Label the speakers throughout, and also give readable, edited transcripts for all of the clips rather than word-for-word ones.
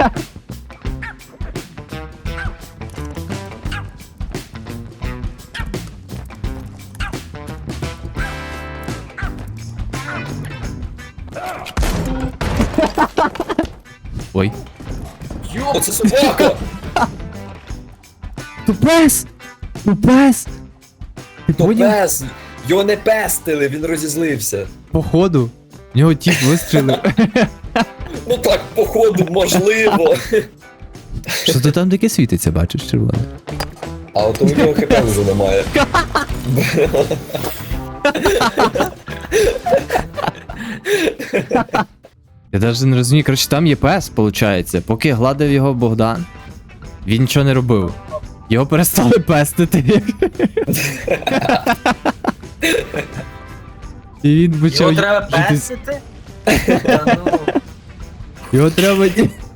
Speaker 1: Ой.
Speaker 2: О, це собака!
Speaker 1: То пес! То пес! Ти
Speaker 2: То
Speaker 1: поняв?
Speaker 2: пес! Його не пестили, він розізлився.
Speaker 1: Походу. В нього тіп вистрілив.
Speaker 2: Ну так, походу, можливо.
Speaker 1: Що то там таке світиться, бачиш, червоне?
Speaker 2: А от у нього хп вже немає.
Speaker 1: Я навіть не розумію, коротше, там є пес, виходить. Поки гладив його Богдан, він нічого не робив. Його перестали пестити. І він почав...
Speaker 3: Його треба
Speaker 1: жити-
Speaker 3: пестити? Та ну.
Speaker 1: Його треба...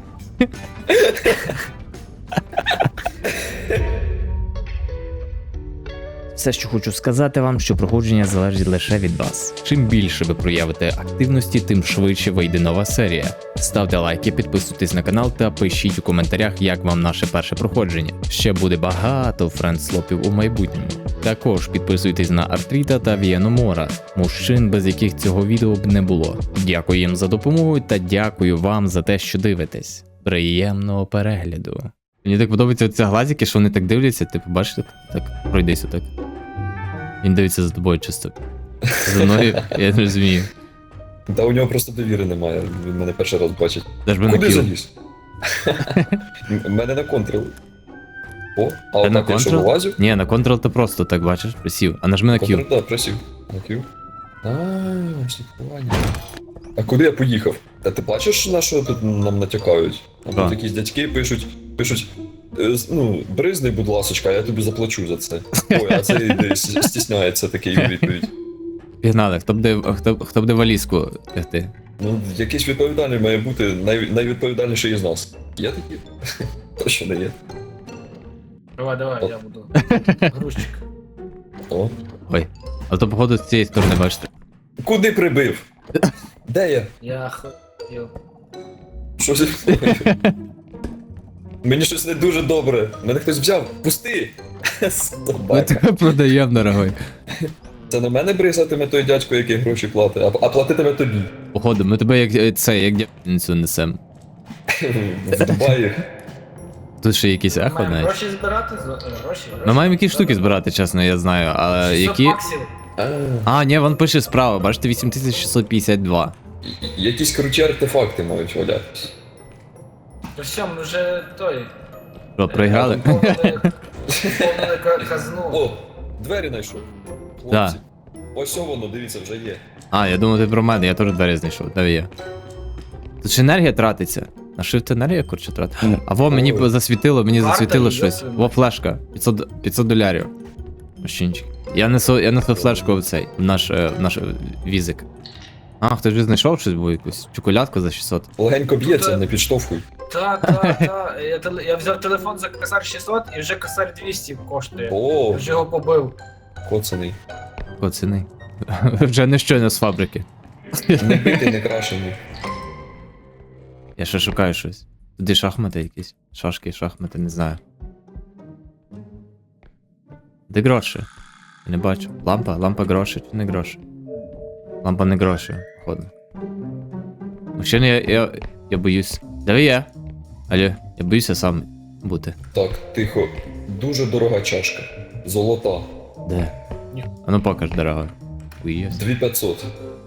Speaker 1: Все, що хочу сказати вам, що проходження залежить лише від вас. Чим більше ви проявите активності, тим швидше вийде нова серія. Ставте лайки, підписуйтесь на канал та пишіть у коментарях, як вам наше перше проходження. Ще буде багато френдслопів у майбутньому. Також підписуйтесь на Артріта та Вієномора, мужчин, без яких цього відео б не було. Дякую їм за допомогу та дякую вам за те, що дивитесь. Приємного перегляду. Мені так подобаються ці глазики, що вони так дивляться, типу, бачите, так, пройдись отак. Він дивиться за тобою чисто. За мною, я не розумію.
Speaker 2: Та у нього просто довіри немає, він мене перший раз бачить.
Speaker 1: Даже би на
Speaker 2: Куди
Speaker 1: кіл.
Speaker 2: заліз? Мене на контрол. О, а
Speaker 1: Та на
Speaker 2: отак я що
Speaker 1: контрол?
Speaker 2: вилазю?
Speaker 1: Ні, на контрол ти просто так бачиш, присів. А нажми на Q.
Speaker 2: Контрол, да, просів. На Q. Слідкування. А куди я поїхав? Та ти бачиш, на що тут нам натякають? А
Speaker 1: Так.
Speaker 2: тут якісь дядьки пишуть, ну, бризни, будь ласочка, я тобі заплачу за це. Ой, а цей стісняється такий у відповідь.
Speaker 1: Пігнали, хто буде валізку тягти?
Speaker 2: Ну, якийсь відповідальний має бути найвідповідальніший із нас. Є такі? Точно не є.
Speaker 3: Давай, я буду. Грузчик.
Speaker 2: О.
Speaker 1: Ой. А то походу з цієї сторони бачите.
Speaker 2: Куди прибив? Де я?
Speaker 3: Я хотів.
Speaker 2: Що зі мною? Мені щось не дуже добре. Мене хтось взяв. Пусти!
Speaker 1: Ми
Speaker 2: Собака.
Speaker 1: тебе продаємо, дорогой.
Speaker 2: Це на мене бризатиме той дядько, який гроші платить, а платитиме тобі.
Speaker 1: Походу, ми тебе як дядницю несем.
Speaker 2: В Дубаї.
Speaker 1: Тут ще якісь ехо
Speaker 3: Маємо
Speaker 1: навіть.
Speaker 3: гроші збирати? Гроші?
Speaker 1: Ми маємо якісь штуки збирати, чесно, я знаю, але
Speaker 3: 600
Speaker 1: які...
Speaker 3: баксів.
Speaker 1: А, ні, вон пише справа, бачите, 8652.
Speaker 2: Якісь круті артефакти мають валятись.
Speaker 3: То все, ми вже той.
Speaker 1: Що, проіграли?
Speaker 3: Поповнили казну.
Speaker 2: О, двері знайшов.
Speaker 1: Да.
Speaker 2: Хлопці. Ось воно, дивіться, вже є.
Speaker 1: А, я думав, ти про мене, я теж двері знайшов, де є. Тут ж енергія тратиться. На shift енергія, коротше, тратить. А во, мені
Speaker 2: Ой.
Speaker 1: засвітило,
Speaker 3: Варто її,
Speaker 1: щось.
Speaker 3: йоп.
Speaker 1: Во, флешка. 500 долярів. Мужчинчик. Я несу флешку в цей, в наш візик. А, хтось вже знайшов щось, бо якусь чоколядку за 600.
Speaker 2: Легенько б'ється,
Speaker 3: Тут,
Speaker 2: не підштовхуй.
Speaker 3: Та. Я взяв телефон за косар 600 і вже косар 200 коштує.
Speaker 2: О,
Speaker 3: Я вже його побив.
Speaker 2: коцаний.
Speaker 1: Оціни. Вже не щойно з фабрики.
Speaker 2: Не битий, не крашений.
Speaker 1: Я ще шукаю щось. Туди шахмати якісь. Шахмати, не знаю. Де гроші? Я не бачу. Лампа гроші чи не гроші? Лампа не гроші, походу. Мужчина, я боюсь. Де ви є? Алло, я боюся сам бути.
Speaker 2: Так, тихо. Дуже дорога чашка. Золота.
Speaker 1: Де? А ну покаж, дорога. Боюсь.
Speaker 2: 2500.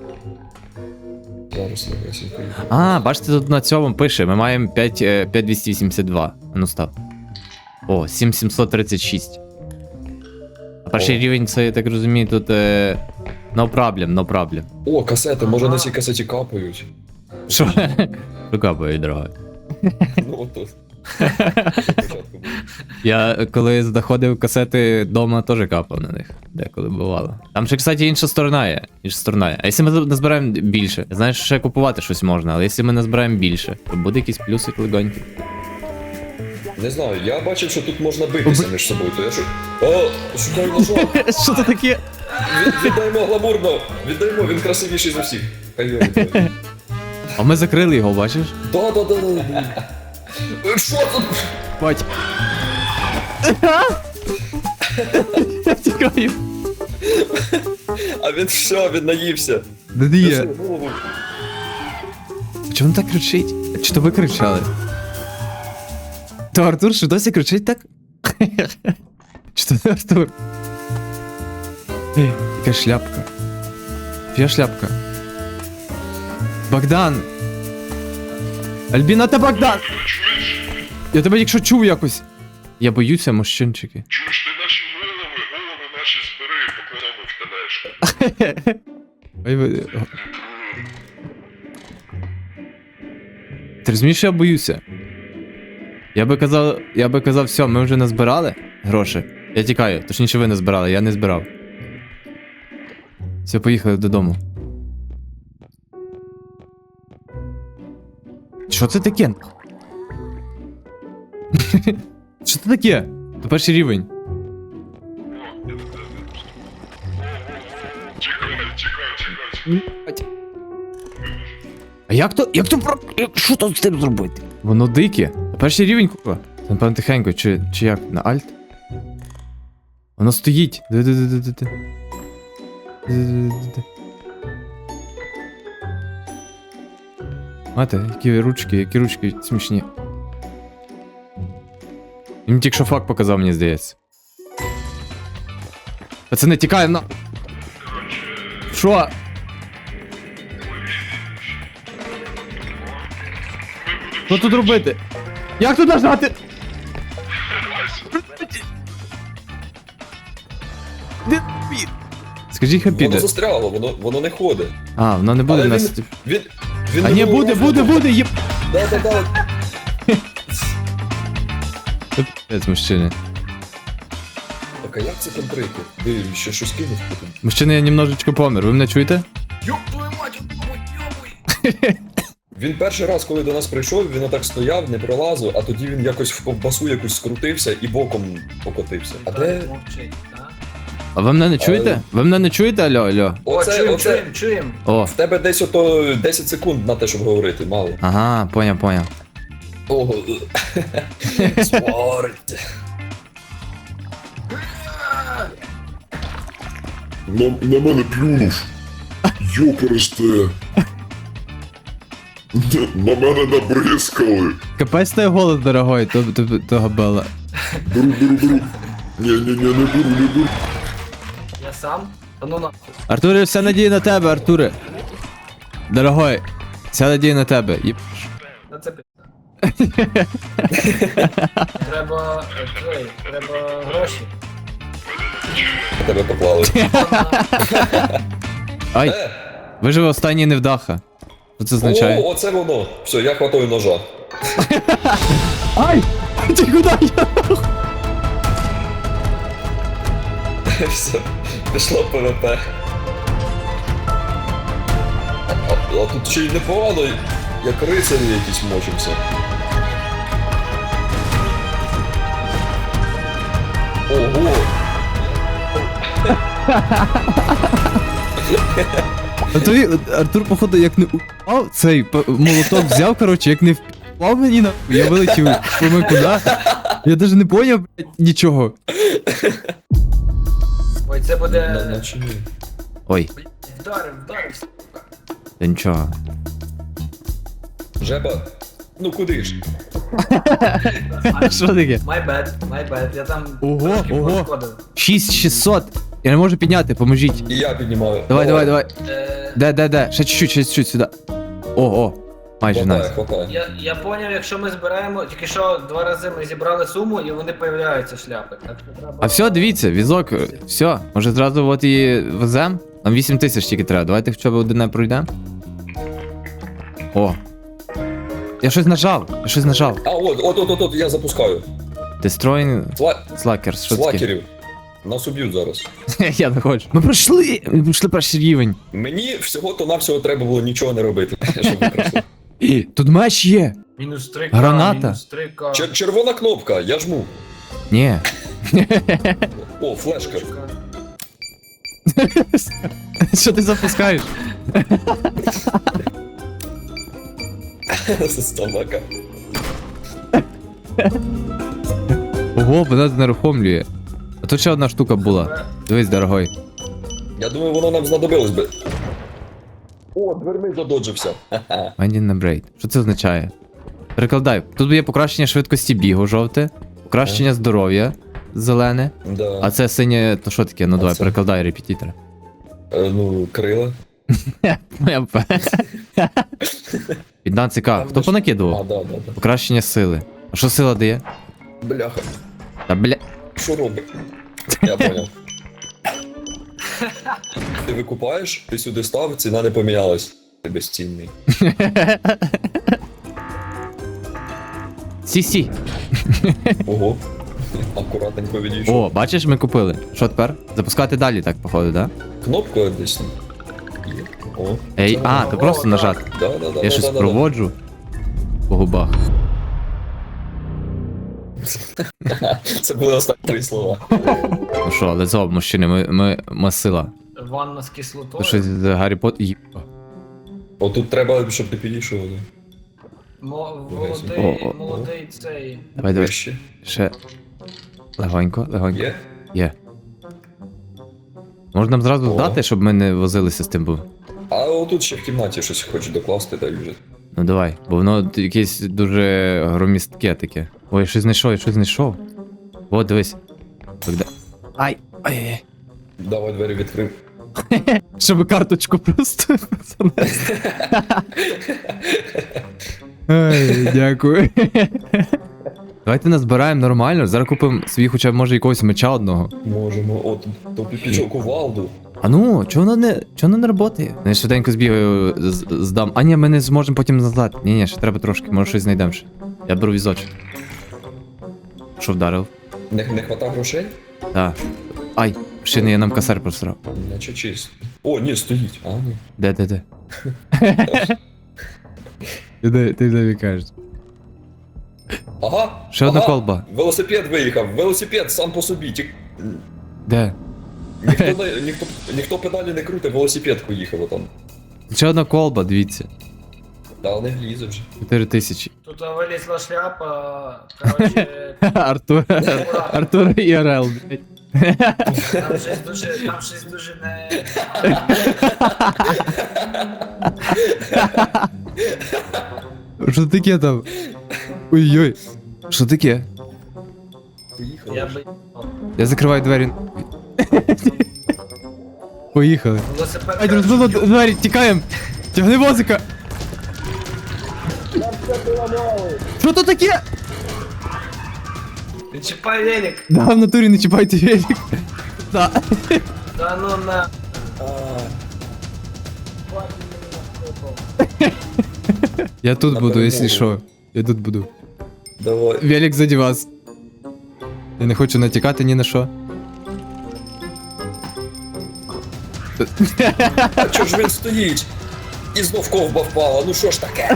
Speaker 2: Зараз легесенько.
Speaker 1: А, бачите, тут на цьому пише, ми маємо 5282. А ну став. О, 7736. А перший
Speaker 2: О.
Speaker 1: рівень, це, я так розумію, тут no problem.
Speaker 2: О, касети, може
Speaker 3: Ага.
Speaker 2: на цій касеті капають.
Speaker 1: Що? Викапує, дорога.
Speaker 2: Ну от тут. Спочатку було.
Speaker 1: Я коли знаходив касети вдома, теж капав на них. Деколи бувало. Там ще, кстати, інша сторона є. А якщо ми назбираємо більше? Я знаю, що ще купувати щось можна, але якщо ми назбираємо більше, то буде якийсь плюсик легонький.
Speaker 2: Не знаю, я бачив, що тут можна битися між собою, то я що. О, шукаю ножа!
Speaker 1: Що це таке?
Speaker 2: Віддаймо гламурно! Віддаймо, він красивіший за всіх. Хай його віддають.
Speaker 1: А ми закрили його, бачиш?
Speaker 2: Да. Що тут?
Speaker 1: Бать. Я тікаю.
Speaker 2: А він все, він наївся.
Speaker 1: Де ти
Speaker 2: Ти
Speaker 1: є?
Speaker 2: що, голову?
Speaker 1: Чому він так кричить? Чи то ви кричали? То Артур що досі кричить так? Чи то не Артур? Ей, яка шляпка. Чия шляпка? Богдан! Альбіна та Богдан! Я тебе якщо чув якось. Я боюся, мужчинчики.
Speaker 4: Чуєш, ти наші голови наші збери, поклонемо в тележку.
Speaker 1: Ой, Ти розумієш, що я боюся? Я би казав, все, ми вже назбирали гроші. Я тікаю, точніше ви не збирали, я не збирав. Все, поїхали додому. Що це таке? Що це таке? То перший рівень.
Speaker 4: Чекай.
Speaker 1: А як то що тут з тим зробити? Воно дике. А перший рівень купа. Це напевно тихенько, чи як? На альт? Воно стоїть. Де. Мате, які ручки смішні. Він тільки що факт показав, мені здається. Пацани, тікаємо на... Що? Що тут робити? Як тут нажати? Де він? Скажіть, хай
Speaker 2: Воно
Speaker 1: піде.
Speaker 2: застряло, воно не ходить.
Speaker 1: А, воно не буде
Speaker 2: Але
Speaker 1: нас.
Speaker 2: він
Speaker 1: А ні, буде, єп.
Speaker 2: Да.
Speaker 1: Це мужчини.
Speaker 2: Так, а як це контрити? Ти ще щось кинув потім?
Speaker 1: Мужчини, я немножечко помер, ви мене чуєте?
Speaker 3: Ёб твою мать, ёбуй!
Speaker 2: Він перший раз, коли до нас прийшов, він отак стояв, не пролазив, а тоді він якось в ковбасу якусь скрутився і боком покотився. А де?
Speaker 3: Мовчить, а?
Speaker 1: А ви мене не чуєте? Ви мене не чуєте, алло?
Speaker 3: О,
Speaker 2: Оце.
Speaker 3: чуєм.
Speaker 1: О,
Speaker 2: В тебе десь ото 10 секунд на те, щоб говорити, мало.
Speaker 1: ага, поняв.
Speaker 2: Ого. Смерть.
Speaker 4: На мене плюнув. Йопересте. На мене набризкали.
Speaker 1: Капець той голос, дорогой, того бела.
Speaker 4: Беру. Ні, не беру.
Speaker 3: Я сам? Та ну нахуй.
Speaker 1: Артуре, вся надія на тебе, Артуре. Дорогой, вся надія на тебе.
Speaker 3: На це пи***. Треба гроші.
Speaker 2: Тебе поклали.
Speaker 1: Ай, виживе останній невдаха. Що це означає?
Speaker 2: О, оце воно. Все, я хватаю ножа.
Speaker 1: Ай! Ти куди я?
Speaker 2: Все, пішло ПВП. А тут ще й непогано, як рицарі якісь мочимося. Ого!
Speaker 1: А то Артур, походу, як не упав, цей молоток взяв, коротше, як не впав мені на. Я вилетів, помив куди. Я навіть не поняв, блядь, нічого.
Speaker 3: Ой, це буде...
Speaker 2: Наче ні.
Speaker 1: Ой,
Speaker 3: Вдарив.
Speaker 1: та нічого.
Speaker 2: Жеба, ну куди ж?
Speaker 1: Що таке?
Speaker 3: My bad, я там
Speaker 1: Ого,
Speaker 3: трошки
Speaker 1: ого.
Speaker 3: пошкодив.
Speaker 1: 6600. Я не можу підняти, поможіть.
Speaker 2: І я піднімаю.
Speaker 1: Давай.
Speaker 3: Е,
Speaker 1: Де? Ще чуть-чуть сюди. О. Майже
Speaker 2: Хватає,
Speaker 1: найс.
Speaker 2: хватає.
Speaker 3: Я поняв, якщо ми збираємо, тільки що 2 рази ми зібрали суму і вони появляються шляпи. Так що треба...
Speaker 1: А все, дивіться, візок, все. Може зразу от і везем? Нам 8000 тільки треба. Давайте хоча б одне пройдемо. О. Я щось нажав.
Speaker 2: А, от, я запускаю.
Speaker 1: Destroying Slackers, що таке?
Speaker 2: Слакерів. Нас уб'ють зараз.
Speaker 1: Я не хочу. Ми пройшли перший рівень.
Speaker 2: Мені всього-то-навсього треба було нічого не робити, щоб ми пройшли.
Speaker 1: Тут меч є.
Speaker 3: Мінус 3К,
Speaker 1: Граната.
Speaker 3: мінус 3К.
Speaker 2: Червона кнопка, я жму.
Speaker 1: Ні.
Speaker 2: О, флешка.
Speaker 1: Що ти запускаєш?
Speaker 2: Собака.
Speaker 1: Ого, вона знерухомлює. А тут ще одна штука була. Дивись, дорогой.
Speaker 2: Я думаю, воно нам знадобилось би. О, дверми задоджився. Ха-ха.
Speaker 1: Minding на брейд. Що це означає? Перекладай. Тут є покращення швидкості бігу жовте, покращення здоров'я зелене.
Speaker 2: Да.
Speaker 1: А це синє, то що таке? Ну давай,
Speaker 2: це?
Speaker 1: перекладай репетитора.
Speaker 2: Ну, крила.
Speaker 1: Моя п. 15к. Хто
Speaker 2: А,
Speaker 1: понакидував?
Speaker 2: да.
Speaker 1: Покращення сили. А що сила дає?
Speaker 2: Бляха.
Speaker 1: Та бля.
Speaker 2: Що робить? Я понял. Ти викупаєш, ти сюди став, ціна не помінялась. Ти безцінний.
Speaker 1: Сі-сі.
Speaker 2: Ого. Акуратненько відійшов.
Speaker 1: О, бачиш, ми купили. Що тепер? Запускати далі, так, походу, да?
Speaker 2: Кнопка десь. Є. О.
Speaker 1: Ей, а, то просто нажати.
Speaker 2: Да.
Speaker 1: Я щось проводжу по губах.
Speaker 2: Це були останні слова.
Speaker 1: Ну що, let's go, мужчини, ми сила.
Speaker 3: Ванна з
Speaker 1: То
Speaker 3: кислотою.
Speaker 1: щось з Гаррі Поттер.
Speaker 2: Отут треба, щоб ти підійшов.
Speaker 1: О.
Speaker 3: Молодий цей.
Speaker 1: Давай, давай.
Speaker 2: Вище.
Speaker 1: Ще. Легонько.
Speaker 2: Є?
Speaker 1: Є. Можна нам зразу
Speaker 2: О.
Speaker 1: здати, щоб ми не возилися з тим, бо.
Speaker 2: А отут ще в кімнаті щось хочу докласти, дай вже.
Speaker 1: Ну давай, бо воно якесь дуже громістке таке. Ой, я щось знайшов. О, дивись. Когда... Ай.
Speaker 2: Давай двері відкрив.
Speaker 1: Щоб карточку просто занести. Ай, дякую. Давайте назбираємо нормально, зараз купимо свій хоча б може якогось меча одного.
Speaker 2: Можемо, от, то пічок кувалду.
Speaker 1: А ну, чого воно не працює? Я швиденько збігаю, здам. А ні, ми не зможемо потім назад. Ні, ще треба трошки, може щось знайдемо ще. Я беру візочок. Що вдарив?
Speaker 2: Не хвата грошей?
Speaker 1: Так. Ай, ще не я нам косарь просрав.
Speaker 2: Наче чисто. О, ні, стоїть. А, ні.
Speaker 1: Де? Ти де кажеш?
Speaker 2: Ага.
Speaker 1: Ще одна колба.
Speaker 2: Велосипед виїхав. Велосипед сам по собі.
Speaker 1: Де?
Speaker 2: Ніхто педалі не крутить, велосипед поїхав там.
Speaker 1: Ще одна колба, дивіться.
Speaker 2: Та не влізе вже.
Speaker 1: 4000.
Speaker 3: Тут вилізла шляпа. Короче,
Speaker 1: Артур і Орел, блядь.
Speaker 3: там щось дуже не.
Speaker 1: Що таке там? Ой-ой. Що таке?
Speaker 2: Поїхав.
Speaker 3: Я би.
Speaker 1: Я закриваю двері. Поїхали.
Speaker 3: Велосипед.
Speaker 1: Ай, розбило двері, тікаємо. Тягни возика. Що то таке?
Speaker 3: Не чіпай велик.
Speaker 1: Да, в натурі не чіпайте велик. Да.
Speaker 3: Да ну на.
Speaker 1: Я тут
Speaker 2: На
Speaker 1: буду,
Speaker 2: перемогу.
Speaker 1: якщо що. Я тут буду.
Speaker 2: Давай.
Speaker 1: Велик заді вас. Я не хочу натікати ні на що.
Speaker 2: А чого ж він стоїть? І знов ковба впала, ну що ж таке?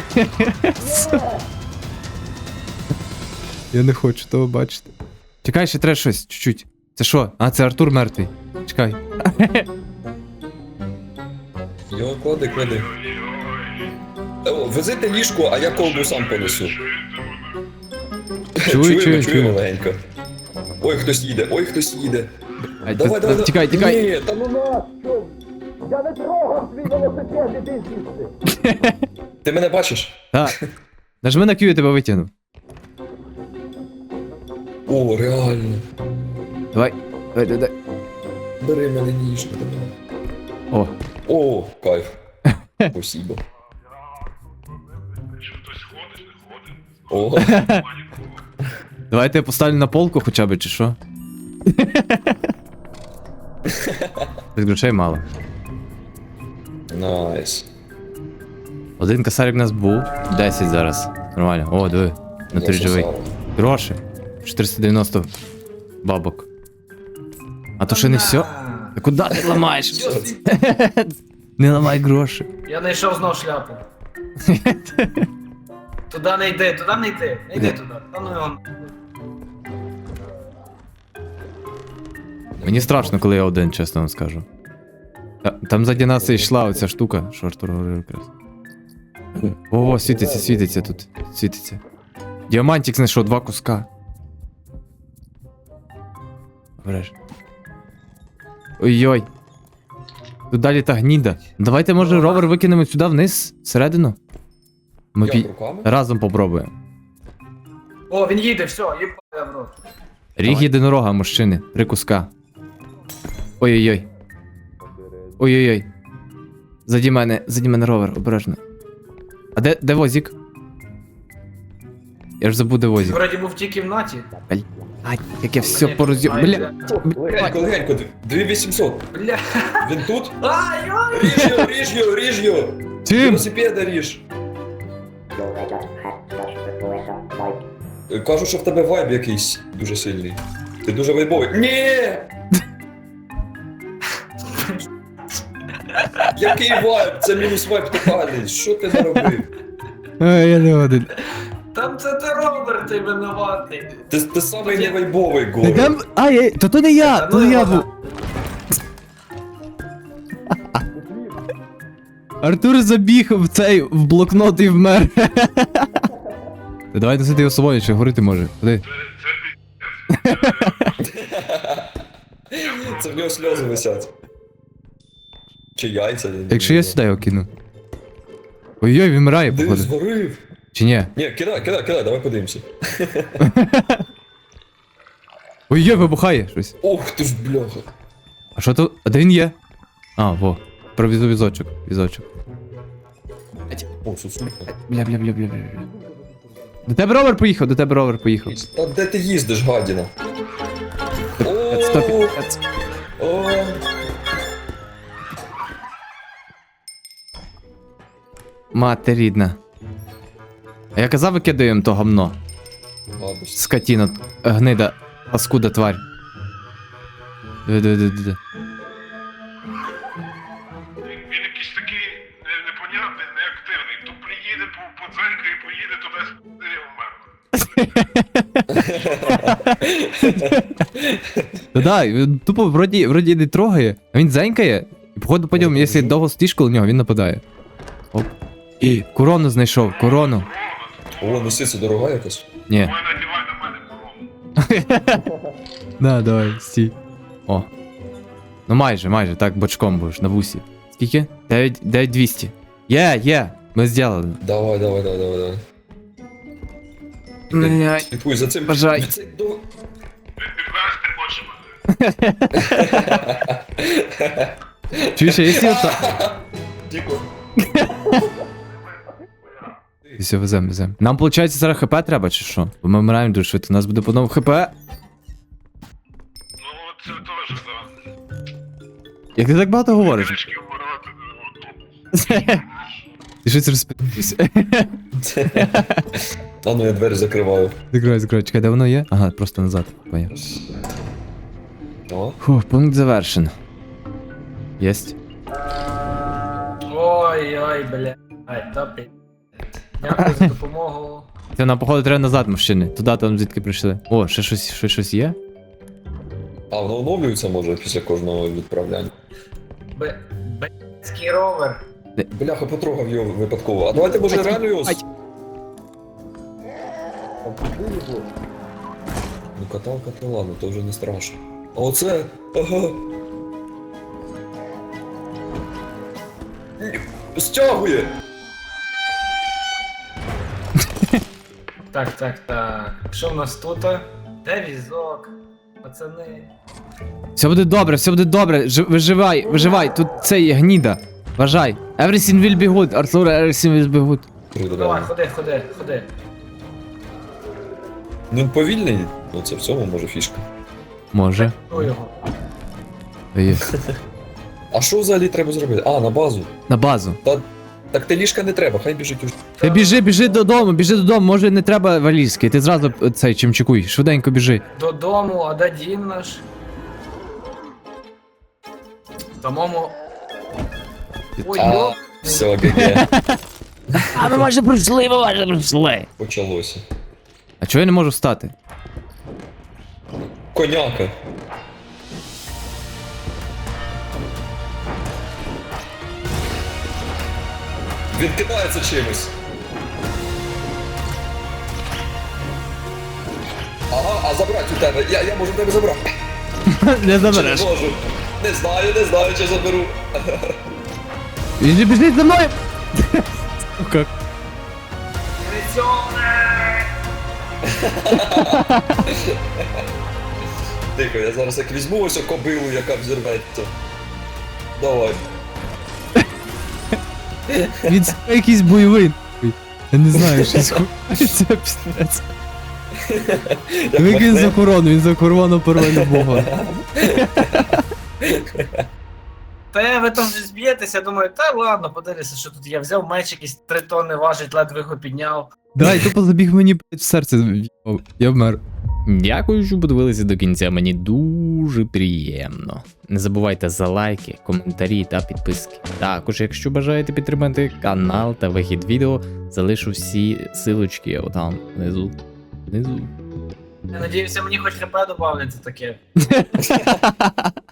Speaker 1: Я не хочу того бачити. Чекай, ще треба щось, чуть-чуть. Це що? А, це Артур мертвий. Чекай.
Speaker 2: Йо, клади. О, везите ліжко, а я колбу сам понесу. Чуємо легенько. Ой, хтось їде.
Speaker 1: Ай,
Speaker 2: Давай.
Speaker 1: Тікай.
Speaker 2: Ні, та ну на, що? Я не трогав свій велосипед, іди звідси. Ти мене бачиш?
Speaker 1: Так. Нажми на Q, я тебе витягну.
Speaker 2: О, реально.
Speaker 1: Давай.
Speaker 2: Бери мене ніжно.
Speaker 1: О.
Speaker 2: О, кайф. Спасибо. О,
Speaker 1: Давайте я поставлю на полку хоча б, чи що? Без грошей мало.
Speaker 2: найс.
Speaker 1: Один косарик у нас був, 10 зараз. Нормально. О, диви. На три живий. Гроші. 490 бабок. А то ще не все? Та куди ти ламаєш? Не ламай гроші.
Speaker 3: Я знайшов знов шляпу. Туди не йди. Не йди туди. Та ну його.
Speaker 1: Мені страшно, коли я один, чесно вам скажу. Там ззаді нас і йшла оця штука, що Артур говорив якраз. О, світиться тут. Світиться. Діамантик знайшов 2 куска. Береш. Ой-ой. Тут далі та гніда. Давайте, може, ровер викинемо сюди вниз, всередину. Ми
Speaker 2: Як руками?
Speaker 1: разом попробуємо.
Speaker 3: О, він їде, все, їбає в рот.
Speaker 1: Ріг єдинорога, мужчини. 3 куска. Ой-ой-ой. Ой-ой-ой. Заді мене ровер, обережно. А де возик? Я ж забув, де возик.
Speaker 3: Вроді був в тій кімнаті.
Speaker 1: Ай, як я все пороз'ю... Бля.
Speaker 2: Легенько, 2800.
Speaker 3: Бля.
Speaker 2: Він тут?
Speaker 3: Ай-ой!
Speaker 2: Ріж його!
Speaker 1: Чим?
Speaker 2: Велосипеда ріж. Кажу, що в тебе вайб якийсь дуже сильний. Ти дуже вайбовий. Ні! Який вайб? Це мінус вайб тотальний. Що ти наробив?
Speaker 1: Ай, я не один.
Speaker 3: Там це ти Роберт, ти винуватий.
Speaker 2: Ти самий не вайбовий
Speaker 1: Та
Speaker 2: Горо.
Speaker 1: там... Ай, то не я, то не я був. Артур забіг в блокнот і вмер. Та давай носити його з собою, чи говорити може. Ходи.
Speaker 2: Це в нього сльози висять. Чи яйця?
Speaker 1: Якщо я сюди його кину. Ой-ой, він вмирає,
Speaker 2: Ти
Speaker 1: походу.
Speaker 2: зварив.
Speaker 1: Чи ні?
Speaker 2: Ні, кидай, давай подивимося.
Speaker 1: Ой-ой, вибухає щось.
Speaker 2: Ох ти ж бляха.
Speaker 1: А що то? А де він є? А, во. Про візочок.
Speaker 2: О, сусулька.
Speaker 1: Бля. До тебе ровер поїхав,
Speaker 2: Та де ти їздиш, гадіна?
Speaker 1: Стоп.
Speaker 2: О,
Speaker 1: Мати рідна. А я казав, викидаємо то гамно.
Speaker 2: гадость.
Speaker 1: Скотіна, гнида, паскуда тварь. Диви.
Speaker 5: Він якийсь такий непонятний, неактивний. То приїде по дзеньку і поїде туди і умер.
Speaker 1: Да, він тупо вроді не трогає, а він дзенькає. І походу потім, якщо довго стоїш коло нього, він нападає. Оп. І корону знайшов, корону.
Speaker 2: О, носиться дорога якась.
Speaker 1: Ні.
Speaker 5: Давай надівай на мене корону.
Speaker 1: Да, давай, стій. О. Ну майже, так бочком будеш, на вусі. Скільки? 9200. Є, ми зробили.
Speaker 2: Давай. Слідкуй за цим.
Speaker 1: Бажай.
Speaker 2: Це до-
Speaker 5: Відвести хоче мене.
Speaker 1: Чуєш, а якщо ота...
Speaker 2: Тихо.
Speaker 1: Все, везем. Нам, виходить, зараз ХП треба, чи що? Бо ми вмираємо дуже швидко, у нас буде по новому ХП.
Speaker 5: Ну, от це теж, так.
Speaker 1: Як ти так багато говориш?
Speaker 5: Трішки вмирати.
Speaker 1: Ти щось розпитався.
Speaker 2: А ну я двері закриваю.
Speaker 1: Закривай, чекай, де воно є? Ага, просто назад, поняв.
Speaker 2: О.
Speaker 1: Фух, пункт завершен. Єсть.
Speaker 3: Ой, бля. Ай, топі. Дякую за допомогу.
Speaker 1: Це нам, походу, треба назад, мужчини. Туди, там звідки прийшли. О, ще щось є?
Speaker 2: А, воно оновлюється може після кожного відправляння.
Speaker 3: Б***ський ровер.
Speaker 2: Бляха, потрогав його випадково. А давайте може реально його...
Speaker 1: Ай.
Speaker 2: Ну каталка то ладно, то вже не страшно. А оце... Ага. Стягує!
Speaker 3: Так. Що в нас тут? Де візок? Пацани.
Speaker 1: Все буде добре. Виживай. Тут це є гніда. Вважай. Everything will be good, Артур, everything will be good.
Speaker 2: Круто,
Speaker 3: Давай,
Speaker 2: давай.
Speaker 3: ходи.
Speaker 2: Ну він повільний, ну це в цьому може фішка.
Speaker 1: Може.
Speaker 3: Ну його.
Speaker 1: Є.
Speaker 2: А що взагалі треба зробити? А, на базу.
Speaker 1: На базу.
Speaker 2: Так ти ліжка не треба, хай біжить уж.
Speaker 1: Ти біжи додому, може не треба валізки, ти зразу цей чимчикуй, швиденько біжи.
Speaker 3: Додому, а де Дін наш? Самому... Ой,
Speaker 2: А,
Speaker 3: йоп.
Speaker 2: все, ГГ.
Speaker 1: А ми майже прийшли.
Speaker 2: Почалося.
Speaker 1: А чого я не можу встати?
Speaker 2: Коняка. Він кидається чимось. А забрати у тебе, я можу тебе забрати.
Speaker 1: Не
Speaker 2: Чи
Speaker 1: забереш.
Speaker 2: не можу? Не знаю, чи заберу.
Speaker 1: Він же біжить за мною! Сука.
Speaker 3: Міліціонер!
Speaker 2: Тихо, я зараз як візьму ось кобилу, яка взірветься. Давай.
Speaker 1: Він якийсь бойовий. Я не знаю, щось це пістець.
Speaker 2: Як
Speaker 1: Викинь за
Speaker 2: махне.
Speaker 1: корону, він за корону первинного бога.
Speaker 3: Та ви там вже зб'єтеся, я думаю, та ладно, подивися, що тут я взяв меч якийсь 3 тонни важить, ледве його підняв.
Speaker 1: Дай, тупо забіг мені в серце. в'їбав. Я вмер. Дякую, що подивилися до кінця. Мені дуже приємно. Не забувайте за лайки, коментарі та підписки. Також, якщо бажаєте підтримати канал та вихід відео, залишу всі силочки отам внизу. Внизу.
Speaker 3: Я надіюся, мені хоч ХП добавлять за таке.